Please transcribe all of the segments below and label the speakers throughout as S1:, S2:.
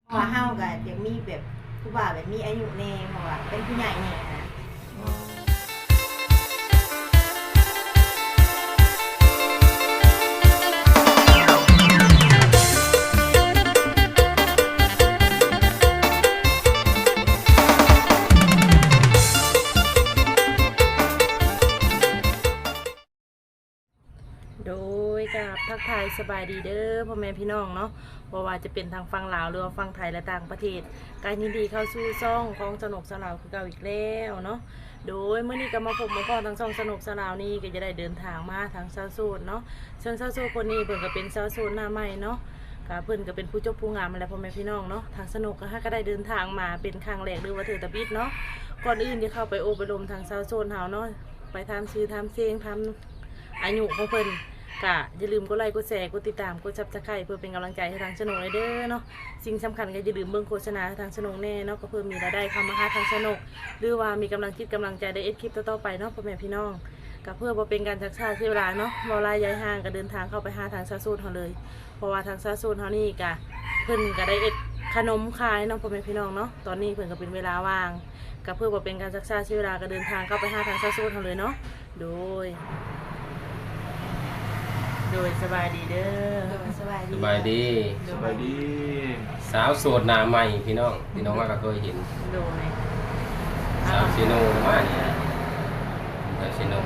S1: เพราะว่าเฮาก็อยากมีแบบผู้บ่าวแบบมีอายุแน่เพราะว่าเป็นผู้ใหญ่แน่นะ
S2: โดยกับทักทายสบายดีเด้อพ่อแม่พี่น้องเนาะเพราะว่าจะเป็นทางฝั่งลาวหรือว่าฝั่งไทยและต่างประเทศการยินดีเข้าสู่ช่องของสนุกสลาวคือเก่าอีกแล้วเนาะโดยเมื่อนี้ก็มาพบมาพอทางช่องสนุกสลาวนี่ก็จะได้เดินทางมาทางซาโซนเนาะซึ่งซาโซนคนนี้เพิ่นก็เป็นซาโซนหน้าใหม่เนาะก็เพิ่นก็เป็นผู้จบผู้งามมาแล้วพ่อแม่พี่น้องเนาะทางสนุกก็ได้เดินทางมาเป็นครั้งแรกหรือว่าเถือตะบิดเนาะก่อนอื่นจะเข้าไปโอบไปลมทางซาโซนเฮาเนาะไปทำชื่อทำเสียงทำอายุของเพิ่นก็อย่าลืมกดไลค์กดแชร์กดติดตามกดซับสไครป์เพื่อเป็นกำลังใจให้ทางชนกเลยเด้อเนาะสิ่งสำคัญก็อย่าลืมเบิ่งโฆษณาทางชนกแน่เนาะก็เพื่อมีรายได้เข้ามาหาทางชนกหรือว่ามีกำลังคิดกำลังใจได้เอ็ดคลิปต่อๆไปเนาะพ่อแม่พี่น้องก็เพื่อบ่เป็นการชักช้าเสียเวลาเนาะเวลาย้ายห่างก็เดินทางเข้าไปหาทางซาซูนเฮาเลยเพราะว่าทางซาซูนเฮานี่ก็เพิ่นก็ได้เอ็ดขนมขายเนาะพ่อแม่พี่น้องเนาะตอนนี้เพิ่นก็เป็นเวลาว่างก็เพื่อบ่เป็นการชักช้าเสียเวลาก็เดินทางเข้าไปหาทางซาซูนเฮาเลยเนาะโดยสบายดีเด้อ
S1: สบายดี
S3: สบายดี
S4: สบายดี
S3: สาวโสดหน้าใหม่พี่น้องว่าก็เคยเห็น
S2: โดย
S3: สาวชิโนมาเนี่ยสาวชิโน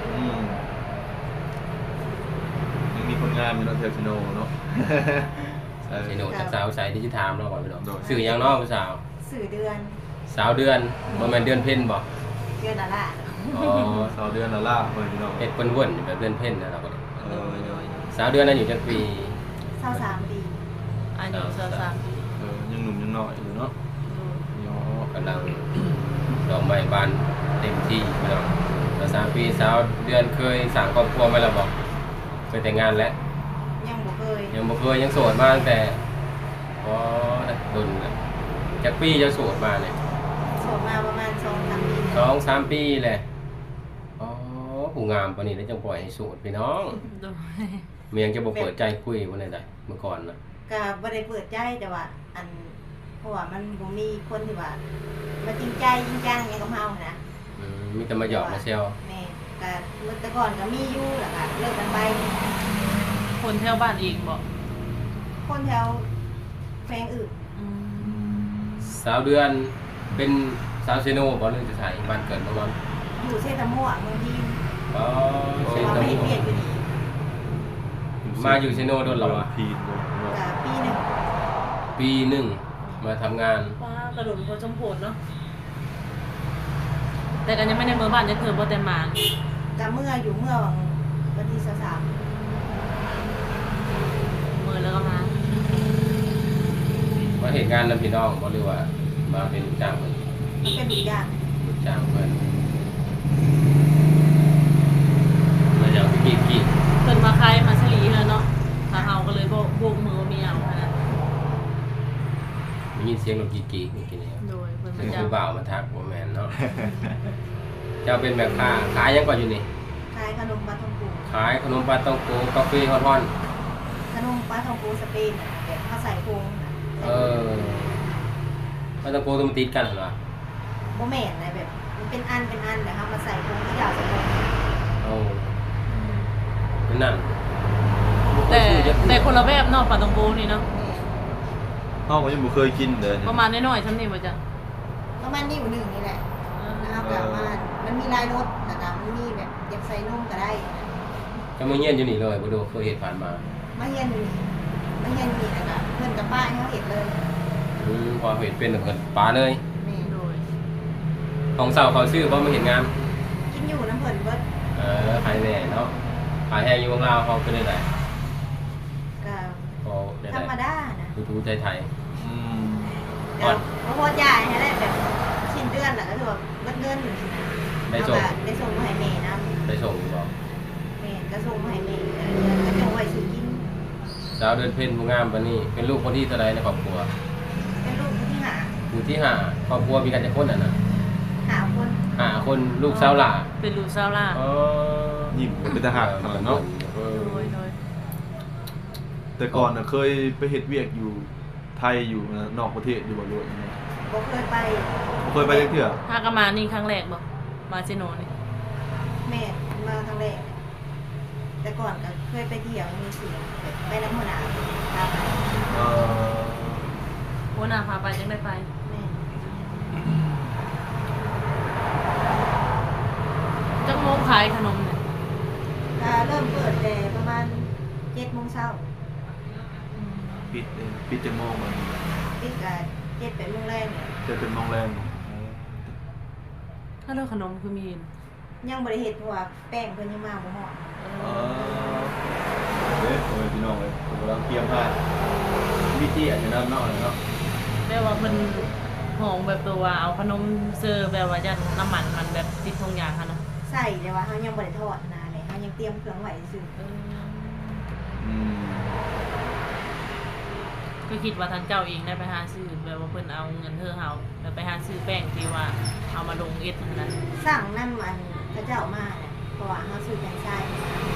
S4: ยังมีคนงานมีน้องเทลชิโนเนาะ
S3: สาวชิโนจากสาวสายดิจิทัลเนาะพี่น้อง
S4: โดย
S3: สื่อยังเนาะผู้สาว
S1: สื่อเดือน
S3: สาวเดือนบ่แม่นเดือนเพ็ญบ่
S1: เดือนละละ
S3: อ๋อ
S4: สาวเดือนละล่าเพื่อนพี่น้อง
S3: เฮ็ดเพิ่นวนแบบเดือนเพ็ญนะเราก็
S4: โดย
S3: สาวเดือนนั้นอยู่จักปี
S1: 23 ปี
S2: อายุ23ปี
S4: ยังหนุ่มยังน้อยอยู่เนาะ
S3: อ๋อกำลังดอกไม้บานเต็มที่พี่น้องแล้ว3 ปีสาวเดือนเคยสร้างครอบครัวมาแล้วบ่เคยแต่งงานแล้ว
S1: ยังบ่เคย
S3: ยังบ่เคยยังโสดมาตั้งแต่อ๋อดุนน่ะจากปีจะโสดมาเนี่ย
S1: โสดมาประมาณ2-3 ปี
S3: 2-3 ปีแหละอ๋อผู้งามปานนี้แล้วจังปล่อยให้โสดพี่น้อง
S2: โดย
S3: เมียงจะบ่เปิดใจคุยบ่ได้ได้เมื่อก่อนน่ะ
S1: ก็บ่ได้เปิดใจแต่ว่าอันเพราะว่ามันบ่มีคนที่ว่ามาจริงใจจริงจังอย่างกับเฮานะ
S3: มีแต่มาหยอกมาแซว
S1: แม่ก็เมื่อแต่ก่อนก็มีอยู่แหละค่ะเลิกกันไป
S2: คนแถวบ้านเองบอก
S1: คนแถวแฟงอื่น
S3: สาวเดือนเป็นสาวเซโนบ่หรือจะใส่บ้านเกิดบ่มัน
S1: อยู่เซตะมั่วเมืองทีม
S3: อ๋อเซ
S1: เรา
S3: โน
S1: ไม่ได้เปลี่ยนอยู่นี่
S3: มาอยู่เซโนโดนแล้วอ่ะ
S4: พีนเนาะ
S1: ก็ปีหนึ่ง
S3: ปีหนึงมาทำงาน
S2: ว่ากระโดดพอสมผลเนาะแต่กันยังไม่ได้เมื่อบ้านจะเถื่อบ่แต่มา
S1: ก็เมื่ออยู่เมื่อวันที่23
S2: เมื่อแล้วก็มา
S3: มาเห็นงานนำพี่น้องบ่หรือว่ามาเป็นลูกจ้างเพิ่น
S1: มันเป็นอีกอย่าง
S3: ลูกจ้างเพิ่นมาจากกี่
S2: เพิ่นมาคายมาสลีแล้วเนาะถ้าเฮาก็เลยบ่โบกมือว่ามีเอาขนาด
S3: มีเสียงรถกี่เมื่อกี้นี่
S2: โดยเพิ่น
S3: เป็
S2: มาน จ้า
S3: ผู้บ่าวมาทักบ่แม่นเนาะ เจ้าเป็นแม่ค้าขายหยังก่อนอยู่นี่
S1: ขายขนมปลาทองปู
S3: ขายขนมปลาต้องโกกาแฟฮ้อน
S1: ขนมปลาทองปูสเปนน่ะแบบเขาใส่โครงน่ะ
S3: ๆปลาต้องโกต้องมันติดกันเหรอ
S1: บ่แม่นนะแบบมันเป็นอันแต่เขามาใส่โครงที่ยาวใส่โครง
S3: เอาเป็นนั่น
S2: แต่คนละแบบเนาะปลาตองโกนี่เนาะ
S4: ห้องก็ยังบ่เคยกินเลย
S2: ประมาณน้อยๆซ้ำนี่บ่จ้ะ
S1: ประมาณนิ้วหนึ่งนี่แหละนะครับแบบมันมีลายรถนะครับมันมีแบบอยากใส่นุ่มก็ได้
S3: จะมาเงียนอยู่นี่เลยบ่ดูเคยเห็นผ่านมา
S1: มาเฮียนอยู่นี่นะครับเพื่อนกับป้าให้เขาเห็นเลย
S3: พอเห็นเป็นเพิ่นปลาเลย
S1: นี่
S2: โดย
S3: ของเสาเขาซื้อบ่มาเห็นงาน
S1: กินอยู่น้ำเพิ่นเบิด
S3: ขายแน่เนาะขายแห้งอยู่ของเราเขาเป็นได้
S1: ก็
S3: ก็ได้
S1: ธรรมดานะ
S3: ทูไทย
S4: อืม
S1: เดี๋ยวเพราะว่าจ่ายให้ได้แบบสิ้นเดือนแหละก็คือแบบเงินอยู่นะ
S3: ๆได้ส่ง
S1: เอาก็ได้ส่งมาให้แม่นะ
S3: ได้ส่งอยู่บ่
S1: แม่ก็ส่งมาให้แม่ก็จะไว้ซื้อกิน
S3: สาวเดินเพ่นผู้งามปานนี้เป็นลูกคนที่เท่าใดในครอบครัว
S1: เป็นลูกคนที่หา
S3: ผู้ที่5ครอบครัวมีกันจักคนน่ะนะ
S1: หาคน
S3: 5คนลูกสาวหล่า
S2: เป็นลูกสาวล่า
S3: อ๋อ
S4: ยิ้มเป็นทหารขนาดเนาะ
S2: โดย
S4: แต่ก่อนน่ะเคยไปเฮ็ดเวียกอยู่ไทยอยู่นอกประเทศอยู่บ่รู้ยังไง
S1: บ่เคยไป
S4: บ่เคยไปจักเทื่อ
S2: ถ้าก็มานี่ครั้งแรกบ่มาเซโนนี่
S1: แม่มาครั้งแรกแต่ก่อนก็เคยไปเที่ยวมีเสียงแบบไปน้ำหัวหน้าพาไป
S4: เออ
S2: หัวหน้าพาไปจังได้ไป
S1: แม่
S2: จังโมงขายขนมเนี่ย
S1: เริ่มเปิดแต่ประมาณ7 โมงเช้า
S4: ปิดจังโมงมัน
S1: ปิดก็7 8 โมงแรกเนี่ย
S4: จะเป็นโรงแรม
S2: ถ้าเรื่องขนมคือมี
S1: ยังบ่ได้เฮ็ดเพราะว่าแป้งเพิ่นยังมาบ่ฮอด
S4: เออเด้โอ้ยพี่น้องเอ้ยผมกำลังเตรียมผ้าวิธีอาจจะนำเนาะเนาะ
S2: แปลว่ามันหองแบบตัวว่าเอาขนมเซอร์แบบว่าจะน้ำมันมันแบบติดทงยางค่ะนะ
S1: ใส่แต่ว่าเฮายังบ่ได้ทอดนะเลยเฮายังเตรียมเครื่องไว้ซื่อ
S4: อืม
S2: ก็คิดว่าทางเจ้าเองได้ไปหาซื้อแบบว่าเพิ่นเอาเงินเธอเฮาแล้วไปหาซื้อแป้งที่ว่าเอามาลงเอ็ดนั่นนะ
S1: สั่งน้ำมันพระเจ้ามาเนี่ยเพราะว่าเฮาซื้อแป้งทรายมา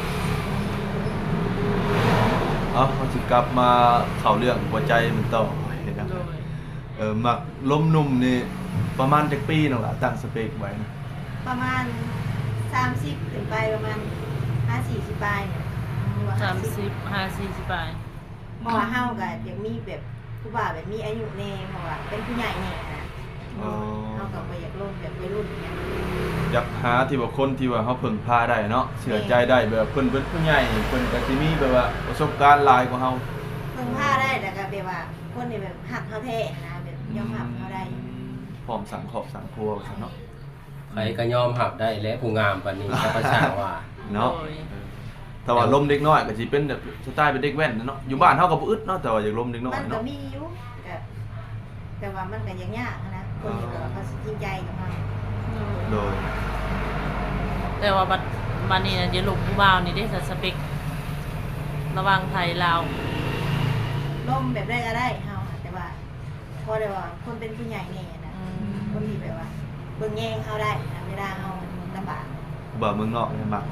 S4: เขาสิกลับมาเข้าเรื่องหัวใจมันต่อเห็นนะ
S2: โดย
S4: หมักล้มนุ่มนี่ประมาณจักปีนั่นล่ะตั้งสเปคไว้นะ
S1: ประมาณ30ถึงไปประมาณ50-40ปลายเนี่ยหรือว่า50
S2: 30-40ปลาย
S1: เพราะว่าเฮาก็อยากมีแบบผู้บ่าวแบบมีอายุแน่เพราะว่าเป็นผู้ใหญ่แน่นะ
S4: อ๋อ
S1: เฮาก็บ่อยากลงแบบวัยรุ่นเนี่ย
S4: อยากหาที่ว่าคนที่ว่าเขาพึ่งพาได้เนาะเชื่อใจได้แบบเพิ่นเป็นผู้ใหญ่เพิ่นก็สิมีแบบว่าประสบการณ์หลายกว่าเฮา
S1: เพิ่งพาได้แต่ก็แบบว่าคนที่แบบหักเฮาแท้นะแบบยอมรับเฮาได้
S4: พร้อมสังครอบสังครัวว่าซั่นเนาะ
S3: ใครก็ยอมหับได้และผู้งามปานนี้ก็ประชาว่า
S4: เนาะ
S2: โดย
S4: แต่ว่าลมเด็กน้อยก็สิเป็นแบบสไตล์เป็นเด็กแว่นนะเนาะอยู่บ้านเฮาก็บ่อึดเนาะแต่ว่าอยากลมเด็กน้อย
S1: มันก็
S4: เนาะ
S1: มีอยู่แบบแต่ว่ามันก็ยังยากนะคนที่แบบว่าเขาสิจริงใจกับเรา
S4: โดย
S2: แต่ว่าบัดนี้น่ะเดี๋ยวลูกผู้บ่าวนี่ได้สเปคระหว่างไทยลาว
S1: ล่มแบบได้ก็ได้เฮาอะแต่ว่าพอได้ว่าคนเป็นผู้ใหญ่แน่นะคนที่แบบว่าเบิ่งแย่งเฮาได้นะเวลาเฮาลำบาก
S4: บ่เมืองนอกเนี่ยมัก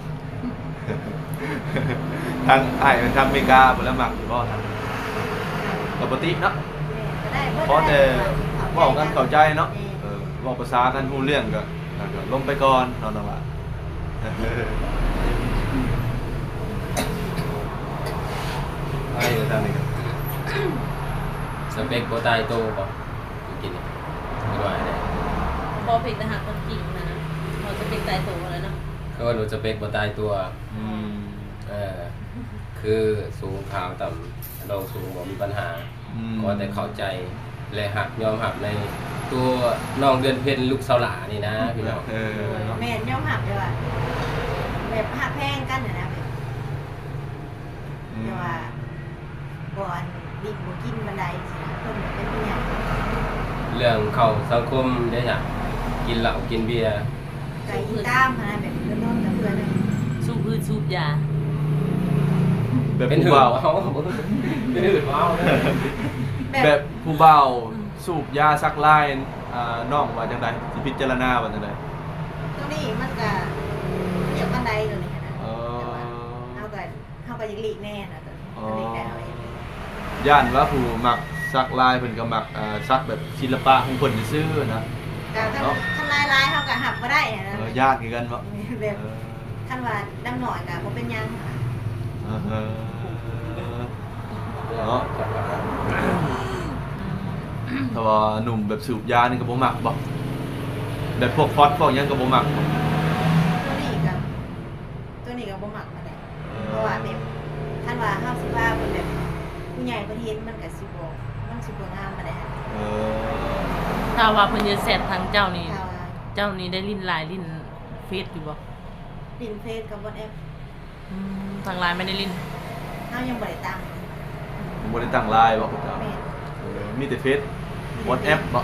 S4: ทางอ้ายมันทางอเมริกาพุ่นแล้วมักอยู่บ่ทางปกติเนาะ
S1: ก็ได้เบิด
S4: เพราะแต่
S1: ได้
S4: เว้ากันเข้าใจเนาะ
S1: แ
S4: เว้าภาษากันรู้เรื่องก็ลงไปก่อนเนาะว่า ไอ้ทางนี้ก็
S3: สเปคบ่ตายโตบ่กินนี่ไม่ว่าได้
S2: พอเพกทหารคนจริงนะเราจะเป็นตายตัวแล้วเนาะ
S3: คือว่าหนูสเปคบ่ตายตัว
S4: อืม
S3: คือสูงขาวต่ำเราสูงบ่มีปัญหา ก็แต่เข้าใจและหักยอมหักในตัวน้องเดือนเพ็ญลูกสาวหลานี่นะพี่น้อง
S4: เนาะ
S1: ม่นยอมหักเลยว่าแบบหักแพงกันนะแบบแต่ว่าก่อนดิบบ่กินบันไดสินะคนแบบเป็นผู้ใหญ่
S3: เรื่องเข้าสังคมได้จ้ะกินเหล้ากินเบียร์
S1: ไก่อีตามนะแบบเริ่มต้นกับเพื่อนเลย
S2: สูบพืชสูบยา
S4: แบบ
S3: เป็น
S4: ผู้
S3: หื่น
S4: บ่าว
S3: เมาเป็นหื่นเมา
S4: แบบผู้บ่าวสูบยาซักลายน้องว่าจังไดสิพิจารณาว่าจังได
S1: ตรงนี้มันก็เรียกบันไดตัวนี้นะ
S4: เออ
S1: แต่ว่าเฮาก็ยังหลีกแน่นะตัวนี้หลีกได้เอาเอง
S4: ย่านว่าผู้มักซักลายเพิ่นก็มักซักแบบศิลปะของเพิ่นซื่อๆนะ
S1: การทำลายเฮาก็หักบ่ได้นะ
S4: ญาติคือกันบ่
S1: แบบคันว่าดำหน่อยก็บ่เป็นหยัง
S4: เนาะถ้าว่าหนุ่มแบบสูบยานี่ก็บ่มักบ่แบบพวกฟอสพวกหยังก็บ่มัก
S1: ตัวนี้ก็บ่มักมาได้เพราะว่าแบบคันว่าเฮาสิว่าเพิ่นแบบผู้ใหญ่ประเทศมันก็สิบ่มันสิบ่งามมาได้
S4: เออ
S2: ถ้าว่าเพิ่นจะแซดทางเจ้านี่
S1: ถ้าว่า
S2: เจ้านี่ได้ลิ้นลายลิ้นเฟซอยู่บ่
S1: ดินเฟซกับ WhatsApp
S2: ทางไลน์ไม่ได้ลิ้น
S1: เฮายังบ่ได้ตั้ง
S4: บ่ได้ตั้งไลน์บ่ครับ
S1: แม่น
S4: มีแต่เฟซ WhatsApp บ่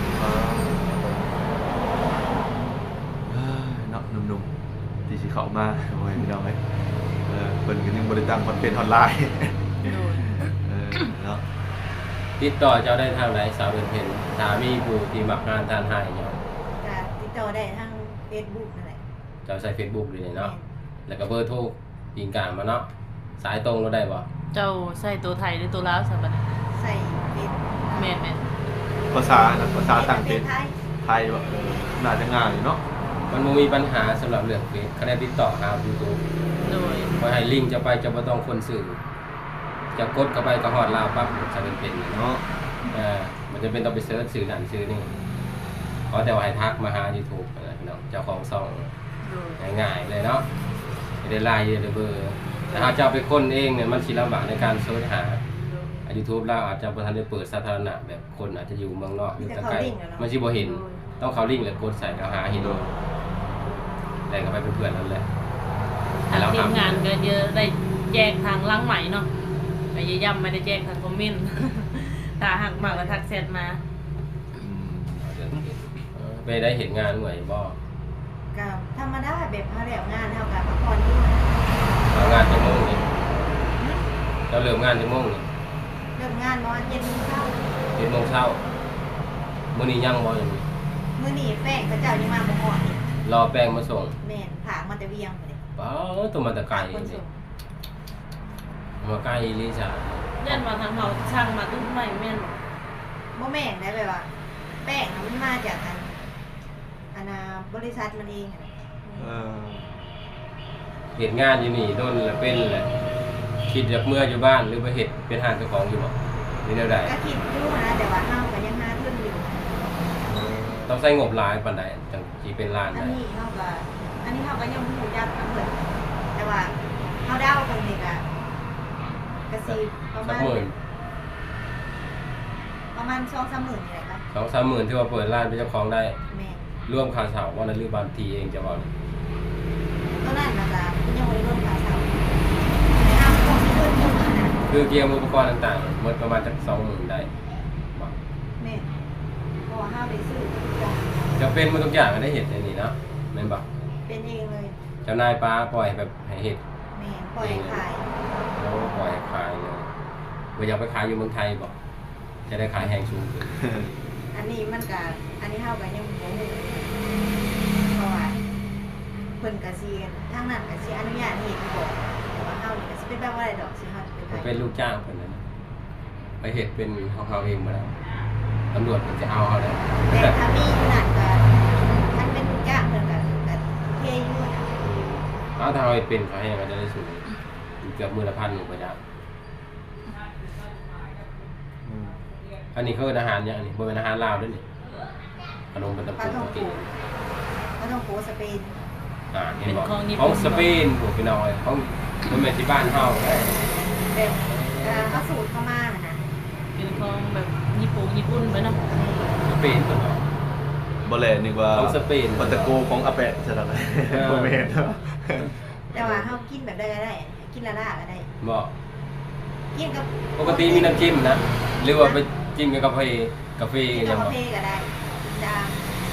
S4: เนาะหนุ่มๆที่สิเข้ามาโอ้ยพี่น้องเอ้ยเพิ่นก็ยังบ่ได้ตั้งคอนเทนต์ออนไลน์
S2: โดย
S4: เนาะ
S3: ติดต่อเจ้าได้ทางไหนสาวเดือนเพ็ญสามีผู้ที่มักงานทานให้เนาะ
S1: ก็ติดต่อได้ทาง Facebook นั่นแหละ
S3: เจ้าใช้ Facebook เลยเนาะแล้วก็เบอร์โทรยิงกลางมาเนาะสายตรงเราได้บ่
S2: เจ้าใส่ตัวไทยหรือตัวลาวซะบัดนี้
S1: ใส่เฟซ
S2: แม่น
S4: ภาษาต่างประเทศ
S1: ไทย
S4: ไทยว่าน่าจะง่ายเนาะ
S3: มันบ่มีปัญหาสำหรับเรื่องเฟซคะแนนติดต่อหา YouTube
S2: โดย
S3: พอให้ลิงก์จะไปจะบ่ต้องคนสื่อจะกดเข้าไปก็ฮอดลาวปั๊บจะเป็นเนาะ
S4: เนาะ
S3: มันจะเป็นต้องไปเสิร์ชสื่อนั่นสื่อนี่ขอแต่ว่าให้ทักมาหา YouTube นะพี่น้องเจ้าของช่อง
S2: โดย
S3: ง่ายๆเลยเนาะไม่ได้ไลน์ไม่ได้เบอร์แต่ถ้าจะเอาไปค้นเองเนี่ยมันสิลำบากในการเสิร์ชหา YouTube เราอาจจะบ่ทันได้เปิดสาธารณะแบบคนอาจจะอยู่เมืองนอกหรือไกลมันสิบ่เห็นต้องเข้าลิงก์แล้วกดใส่ก็หาเห็นแต่ก็ไปเป็นเพื่อนนั่นแหละ
S2: ทางทีมงานก็เยอะได้แจกทางลังใหม่เนาะไปย่ำไม่ได้แจกทางคอมเมนต์ ถ้าหักมากก็ทักแชทมา
S3: ไปได้เห็นงานหน่วยบ่
S1: ก็ธรรมดาแบบเฮาแล้วงานเฮาก็พักผ่อนอยู่
S3: เอางานจังโมงนี่เราเริ่มงานจังโมงนี่
S1: เริ่มงานประมาณ7:00 น
S3: 7 โมงเช้ามื้อนี้ยังบ่ยังมี
S1: มื้อนี้แป้งเขาเจ้ายังมาบ่ฮอดนี่
S3: รอแป้งมาส่ง
S1: แม่นผากมาแต่เวียงพุ่นเด้
S3: เป้าตัวมันตะไกล
S1: คน
S3: นี่
S1: ส่ง
S3: มาใกล้ลิซ่า
S2: เล่นมาทางเราช่างมาตุ้มไม่แม่น
S1: บ่แม่นได้แบบว่า แป้งน่ะมันมาจากอันน่ะบริษัทมันเองอะ
S4: เออ
S3: เห็นงานอยู่นี่โดนแล้วเป็นแหละคิดอยากเมื่ออยู่บ้านหรือไปเฮ็ดเป็นหานเจ้าของอยู่บ่นี่แนวใด
S1: ก็คิดอยู่นะแต่ว่าเฮาก็ยังหาทุนอยู่
S3: ต้องใช้งบหลายปานใดจังสิเป็นล้าน
S1: อัน
S3: ได้
S1: นี้เฮาก็ยังบ่รู้จักกันเพิ่นแต่ว่าเฮาเดาเพิ่นนี่ก็สิประ
S3: สั
S1: มาก ณ
S3: หมื่น
S1: 2-3 หมื่นนี่แหละค่ะ
S3: 2-3 หมื่นที่ว่าเปิดร้านเป็นเจ้าของได้
S1: แม่
S3: ร่วมค่าเช่าว่านั้นหรือบางทีเองจะบ่นี่
S1: ตอนนั้นน่ะจ้ะยังบ่ได้ร่วมค่าเช่าแต่ห้ามของที่เพิ่นอยู่นะ
S3: คือเกียร์อุปกรณ์ต่างๆหมดประมาณจัก20,000ได้บ่
S1: แม่เพราะว่าห้ามได้ซื้อทุกอย่าง
S3: จะเป็นหมดทุกอย่างได้เฮ็ดในนี้เนาะแม่นบ่
S1: เป็นเองเลย
S3: เจ้านายป้าปล่อยแบบให้เฮ็ด
S1: แม่ปล่อยให้ขาย
S3: แล้วปล่อยให้ขายเลยบ่อยากไปขายอยู่เมืองไทยบ่จะได้ขายแพงสูงขึ้น
S1: อันนี้มันก็อันนี้เฮาก็ยังบ่รู้เพราะว่าเพิ่นก็สิทางนั้นก็สิอนุญาตให้เฮ็ดอยู่บ่แต่ว่าเฮานี่ก็สิเป็นแบบว่าได้ดอกสิเฮาจะไป
S3: ผม
S1: ขาย
S3: เป็นลูกจ้างเพิ่นนั่นน่ะไปเฮ็ดเป็นของเขาเองมาแล้วตำรวจเพิ่นจะเอาเขาแล้ว
S1: แต่ถ้ามีอยู่นั่นก็ท่านเป็นลูกจ้างเพิ่นก็เทอยู่นะ
S3: เอาถ้าเราเป็นเขาให้มันจะได้สูงเกือบมื้อละ1,000อยู่ประจำอันนี้คืออาหารเนี่ยอันนี้บ่เป็นอาหารลาวด้วยนี่ขนมเป็นตะ
S1: ปลา
S3: ปู
S1: ท่อง
S3: กิ
S1: โก
S3: น
S1: ปลาท่องโกสเปน
S3: เห็นบอกของสเปนพวกพี่น้อยของมันแม่นที่บ้านเฮาได้
S1: แบบเขาสูตรเข้ามาน่ะนะ
S2: เป็นของแบบญี่ปุ่นไปเนาะ
S3: สเปนเพิ่นบอก
S4: บ่แลนึกว่า
S3: ของสเปน
S4: ปัตตะโกของอาแปะซะแล้วบ่แม่นเนาะ
S1: แต่ว่าเฮากินแบบได้ก็ได้ กินละล่าก็ได้
S3: บอก
S1: กินกับ
S3: ปกติมีน้ำจิ้มนะหรือว่าไปจิ้มกับกาแฟ
S1: กิน
S3: ยั
S1: กับ
S3: ง
S1: กา
S3: บ่
S1: แฟก็ได้จาง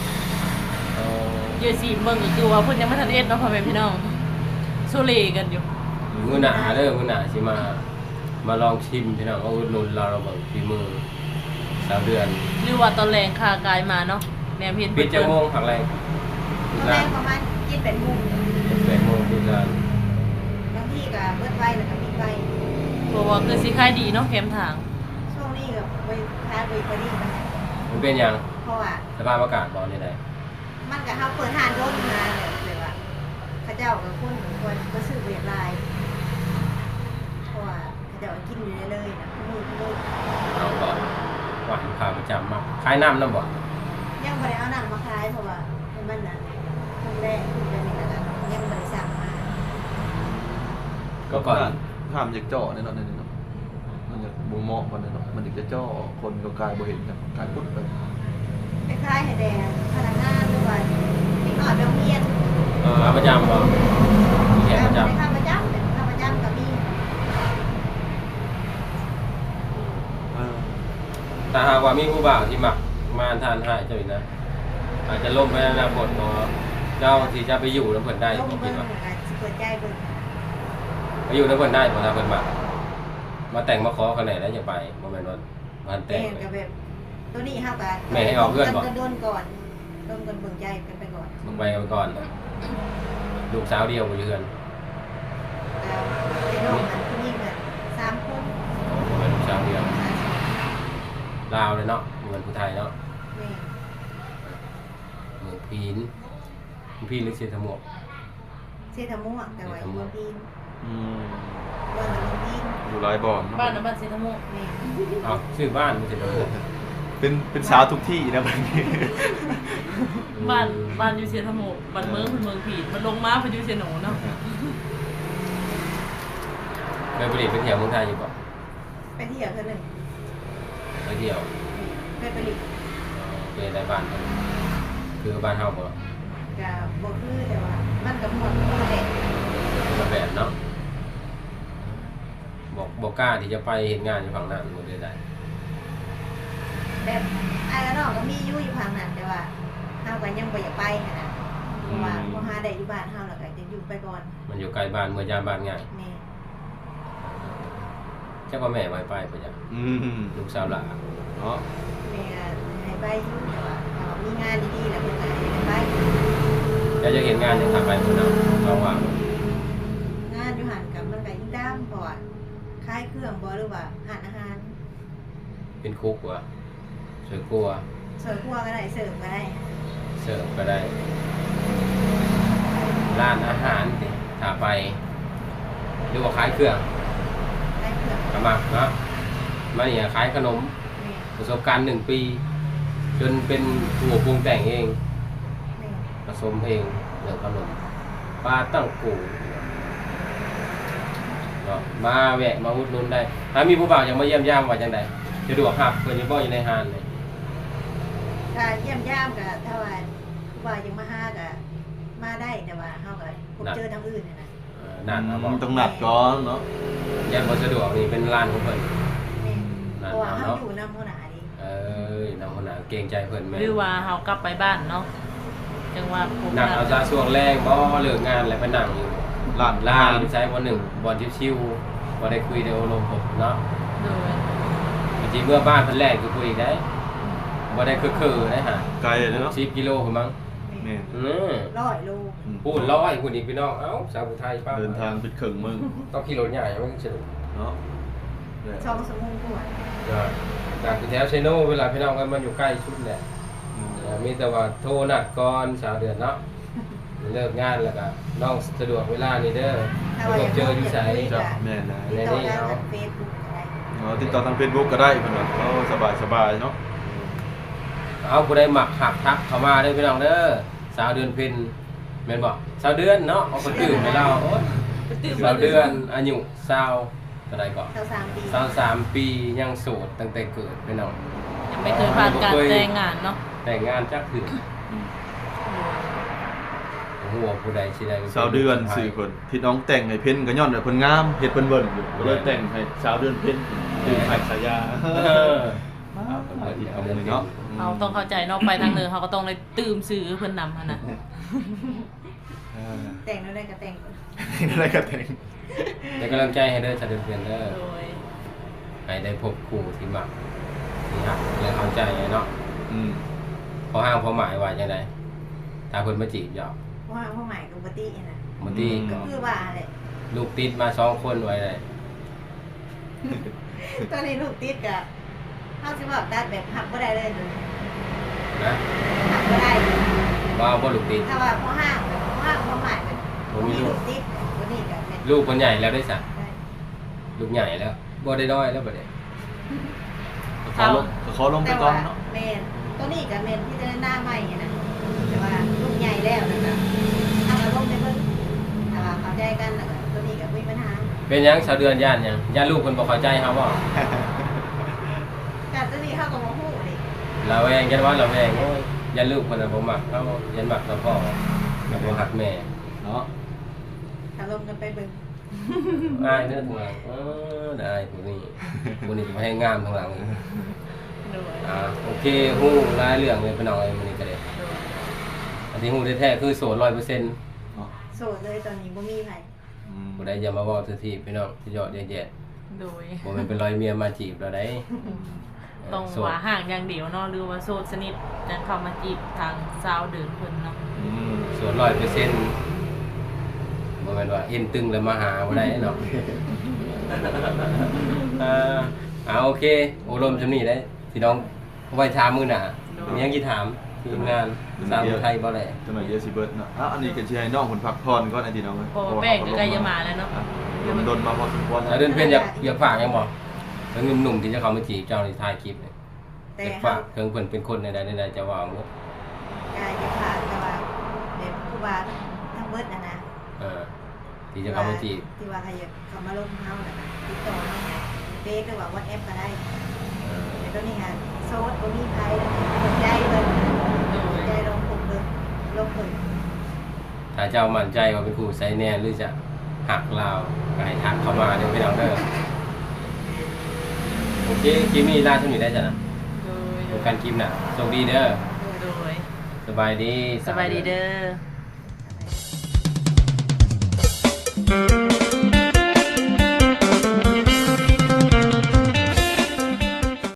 S2: เยอะสิเบิ่งก็คือว่าเพิ่นยังบ่ทันเอ็ดเนาะพ่อแม่พี่น้องโซเลกันอยู่
S3: มื้อหน้าเด้อมื้อหน้าสิมาลองชิมพี่น้องเอาอุดหนุนเราเบิ่งฝีมือสาวเดือน
S2: หรือว่าตอนแรงคากายมาเนาะแนวเพียน
S3: ปิดจังโมงผักแรง
S1: ตอนแรกประมาณกินเป็นมุม
S3: 8โมงปิดร้าน
S1: บางทีก็เบิดไว้แล้วก็ปิดไว้
S2: เพราะว่าคือสิขายดีเนาะแคมทาง
S1: ช่วงนี้ก็ไปทานเบเกอรี่มัน
S3: มันเป็นหยัง
S1: เพราะว่า
S3: สภาพอากาศบ่นี่ได้
S1: มันก็เฮาเปิดทานรถมาเลยว่าเขาเจ้ากับคนควรก็ซื้อเวียดลายเพราะว่าเขาเจ้ากินอยู่เลยๆนะมือ
S3: เอาบ่หวานขาประจำมากขายน้ำนำบ่
S1: ยังบ่ได้เอาหนังมาขายเพราะว่ามันน่ะครั้งแรกคือเป็นอย่างนั้นยังบ่ได้สั่งมา
S3: ก็ก่อน
S4: ห้ามจากจ่อแน่นอนเนาะมันจะบ่เหมาะกันเนาะมันจะจ่อคนก็กลายบ่เห็นกันกลายปุ๊บไป
S1: ไปขายให้แดงพนักงานหรือว่าเด็กน้อยไปโรงเรียน
S3: ขาประจำบ่มีแขกประจำ
S1: ไปข้าประจำแต่ข้าประจำก็มี
S3: ถ้าหากว่ามีผู้บ่าวที่มักมาทานให้เจ้าอีกนะอาจจะล่มไปในอนาคตบ่เจ้าที่จะไปอยู่นำเพิ่นได้
S1: ลง
S3: บ่คิ
S1: เบิ่
S3: ด
S1: ง
S3: ว่า
S1: เหมือนกันสิเปิดใจเบิ่ง
S3: ไปอยู่นำเพิ่นได้บ่ถ้าเพิ่นมักมาแต่งมาขอเขาไหนแล้วจะไปบ่แม่นว่ามันแต่
S1: แต่
S3: ง
S1: งกับแบบตัวนี้เฮาก็
S3: แม่ให้ออกเพื่อนก่อน
S1: โดนก่อนโดนกันเบิ่งใจกันไปก่อน
S3: ลงไปกันก่อนลูกสาวเดียวบ่อยู่เฮือน
S1: แล้วไอ้น้องมันผู้หญิงน่ะ3 คน
S3: บ่แม่นลูกสาวเดียวลาวเลยเนาะเหมือนผู้ไทยเนาะ
S1: แม่
S3: เมืองพีนพีนหรือเชียงทมวก
S1: เซทาม่วงแต่ว่าอยู่เมืองพีน
S4: อืม
S1: ว่าเมืองพีน
S4: อยู่หลายบ่อน
S2: บ้านน้ำบ้านเซนทโม
S1: แม่
S3: อ้าวชื่อบ้านมันจะโดน
S4: เป็นสาวทุกที่นะบัดนี้
S2: บ้านอยู่เซนทโมบ้านเมืองเมืองผีมันลงมาเพอยู่เซโนเนาะ
S3: เคยไปเที่ยวเมืองไทยอยู่ป่ะ
S1: ไปเที่ยวเท่านึง
S3: ไปเที่ยว
S1: ไปผลิต
S3: ไปได้บ้านเขาคือบ้านเฮาบ่
S1: กับบ่คือแต่ว่ามันกับหมดคนละแบบ
S3: คนละแบบเนาะบอกกล้าที่จะไปเห็นงานอยู่ฝั่งนั้นหมดเลยได้
S1: แบบไอ้ก็น้องก็มีอยู่ทางนั้นแต่ว่าเฮาก็ยังบ่อยากไปหั้นนะเพราะว่าบ่หาได้อยู่บ้านเฮาแล้วก็จะอยู่ไปก่อน
S3: มันอยู่ไกลบ้านเมื่อยามบ้านง่าย
S1: แม่
S3: เจ้าว่าแม่ไว้ไปปะจ๊ะ
S4: อืม
S3: ลูกสาวหลาน
S4: เนาะ
S1: แม่ให้ไปอยู่แต่ว่าถ้ามีงานดีๆแล้วเพิ่นก็ให้ไป
S3: เจ้าจะเห็นงานอย่างทำไปคนเนาะเราว่าง
S1: งานอยู่หันกับมันก็ยิ่งดำเพราะว่าขายเครื่องบ่หรือว่าร้านอาหาร
S3: เป็นคุกวะสวยกลัว
S1: เสิร์ฟครัวก็ได้เสิร์ฟก็ได้
S3: เสิร์ฟก็ได้ร้านอาหารสิถ้าไปหรือว่าขายเครื่อง
S1: ขายเครื่อง
S3: กระมักเนาะมาเนี่ยขายขนม
S1: แม่
S3: ประสบการณ์1 ปี จนเป็นผู้ปรุงแต่งเอง
S1: แม่
S3: ผสมเองเรื่องขนมปลาตั้งกูเนาะมาแวะมาอุดหนุนได้ ถ้ามีผู้บ่าวอยากมาเยี่ยมยามว่าจังไดสะดวกครับเพิ่นจะบ่อยู่ในห้างเลย
S1: ถ้าเยี่ยมย่ามก็ถ้าว่าผู้ว่ายังมาหาก็มาได้แต่ว่าเฮาก็พบเจอทางอื่นน่ะนะ
S3: นั่นเอาบ่
S4: ต้องนัดก่อนเนาะ
S3: ยันบ่สะดวกนี่เป็นร้านของเพิ่น
S1: แม่
S3: นั่น
S1: เพราะว่า
S3: เอา
S1: เฮา
S3: เนาะ
S1: อยู่นำหัวหน้าดิ
S3: เอ้ยน้องคนน่ะเกรงใจเพิ่นแม่
S2: หรือว่าเฮากลับไปบ้านเนาะจังว่าผม
S3: นั่งเอาซะช่วงแรกบ่เลิกงานแล้วไปนั่งอยู่
S4: ร้าน
S3: ร้านใช้บ่1บ่ชิวๆบ่ได้คุยได้อารมณ์ผมเนาะ
S2: โดย
S3: จริงๆเมื่อบ้านเพิ่นแรกคือคุยอีกได้บ่ได้คือๆได้ฮะ
S4: ไกลเลยเนาะ
S3: 10 กิโลพุ่นมั้ง
S1: แม่
S4: แม่น
S1: 100 โล
S3: พูดร้อยคุณอีกพี่น้อง เอ้าสาวผู้ไทยป้า
S4: เดินทางเป็นครึ่งมึง
S3: ต้องขี่รถใหญ่มันสนุก
S4: เนาะ
S1: ช่องสมุนกว่า
S3: จากแถวเชโนเวลาพี่น้องกันมาอยู่ใกล้ชุดแหละมีแต่ว่าโทรนัดก่อนสาวเดือนเนาะเลิกงานแล้วก็น้องสะดวกเวลานี่เด้อ
S1: ถ้า
S3: พ
S1: ว่า
S3: บเจออยู่ไส
S4: จ้ะแม่นนะ
S1: ติดต่อได้ทาง Facebook ก็ได้
S4: ติดต่อทาง Facebook ก็ได้เพิ่นว่าสบายๆเนาะ
S3: เอาผู้ใดหมักหักทักเข้ามาเด้อพี่น้องเด้อสาวเดือนเพ็ญแม่นบ่สาวเดือนเนาะเอาคนตื่นไปเราโอ๊ยสาวเดือนอายุ20เท่าใดก่อน
S1: 23 ปี
S3: 23 ปียังโสดตั้งแต่เกิดพี่น้อง
S2: ยังไม่เคยผ่านการแต่งงานเนาะ
S3: แต่งงานจักคือหัวผู้ใดสิได้
S4: สาวเดือน4คนที่น้องแต่งให้เพิ่นก็ย้อนว่าเพิ่นงามเฮ็ดเพิ่นเบิ่นอยู่ก็เลยแต่งให้สาวเดือนเพิ่นคือไผสายา
S3: เอาเพิ่นที่เอา
S4: เดื
S3: เงิ
S4: อน
S3: น
S4: เนาะ
S2: เราต้องเข้าใจเนาะไปทางเหนือเขาก็ต้องเลยตื่มสื่อเพิ่นนำหั่นน่ะ
S1: แต่งแล้วได้ก็แต่งก่อน
S4: อะไรก็แต่ง
S3: เป็นกำลังใจให้เด้อชาเดือนเพื่อนเด้อ
S2: โดย
S3: ให้ได้พบครูที่มักที่หักและเข้าใจเนาะ
S4: อืม
S3: พอห้างพอหมายว่าจังไดถ้าเพิ่นมาจีบหยอก
S1: เพราะว่าพ่อใหม่กับปติน่ะ
S3: บางที
S1: ก็คือว่าแหละ
S3: ลูกติดมา2 คนไว้ได้
S1: ตอนนี้ลูกติดก็เฮาสิว่าตัดแบบหักบ่ได้เลย
S3: นะ
S1: หักบ่ได้
S3: ว่าบ่ลูกติด
S1: ถ้าว่าพ่อห้างพ่อใหม่แบบ
S3: บ่มีลูก
S1: ติดตัวนี้ก็แม่น
S3: ลูกคนใหญ่แล้วได้ซะ
S1: ได้
S3: ลูกใหญ่แล้วบ่ได้น้อยแล้วบัดนี้
S4: ขอลงไป
S1: แต่
S4: ก่อ
S1: ว่าน
S4: เนาะ
S1: แม่นตัวนี้ก็แม่นที่จะหน้าใหม่นะแต่ว่าลูกใหญ่แล้วนะคะถ้าเราลงไปเบิ่งถ้าว่าเข้าใจกันแล้วก็ตัวนี้ก็บ่มีปัญหา
S3: เป็นหยังชาวเดือนย่านหยังย่านลูกเพิ่นบ่เข้าใจเฮาบ่
S1: แต่ตัวนี้เฮาก็บ่ฮู้ดิ
S3: ระแวงยันว่าระแวงโอ้ยยันลูกเพิ่นน่ะบ่มักเฮายันมักแต่พ่อแล้วบ่ฮักแม่
S4: เนาะ
S1: ถ้าลงกันไปเบิ่ง
S3: อายเด้อทางหลังได้ผู้นี้ผู้นี้จะมาให้งามทางหลังอีก
S2: โดย
S3: โอเคฮู้รายเรื่องเลยพี่น้องเอ้ยมื้อนี้ก็ได้
S2: โดย
S3: อันที่ฮู้แท้ๆคือโสด 100%
S4: เนาะ
S1: โสดเลยตอนนี้บ่มีไผ
S3: บ่ได้อย่ามาเว้าซื่อที่พี่น้องที่ยอดแย่
S2: โดย
S3: ๆบ่แม่นเป็นร้อยเมียมาจีบเราได้
S2: ต้อง
S3: โสด
S2: ว่าห่างอย่างเดียวเนาะหรือว่าโสดสนิทจะเข้ามาจีบทางสาวเดินเพิ่นเนาะ
S3: โสด 100%บ่แม่นว่าเอ็นตึงแล้วมาหาบ่ได้เนาะ โอเคอบรมจำนี้ได้ที่น้องไว้ถามมื้อหน้ามีหยังสิถามทีมงานสาวไทยบ่แหละ
S4: จังหน่อยเดี๋ยวสิเบิดเนาะอันนี้ก็สิให้น้องเพิ่นพักผ่อนก่อนไอ้ที่น้องเอ้ย
S2: พอแป้งก็ใกล้จะมาแล้วเนาะ
S4: โดนมาพอสมควร
S3: แล้วเดินเป็นอยากฝากหยังบ่แล้วหนุ่มๆที่จะเข้ามาจีบเจ้าในถ่ายคลิปเนี่ย
S1: แต่
S3: อยาก
S1: เฮา
S3: ฝากเพิ่นเป็นคนใดๆจะว่าหมด
S1: กายจะขาดแต่ว่าแบบครูบาทั้งเบิดนะ
S3: ที่จะเข้ามาจีบ
S1: ที่ว่าใครอยากเข้ามาลงเฮาน่ะติดต่อเฮาเฟซหรือว่า WhatsApp ก็ได้แต่ตอนนี้ฮะโซดบ่มีไผแล้วสนใจเลยสนใจลงผมเลยลงเพิ่น
S3: ถ้าเจ้ามั่นใจว่าเป็นครูไซแน่หรือจะหักลาวก็ให้ทักเข้ามาเด้อพี่น้องเด้อโอเคคลิปนี้ลาเท่านี้ได้จ้ะนะ
S2: โดย
S3: พบกันคลิปหน้าโชคดีเด้อ
S2: โดย
S3: สบายดี
S2: สบายดีเด้อ
S1: อะไร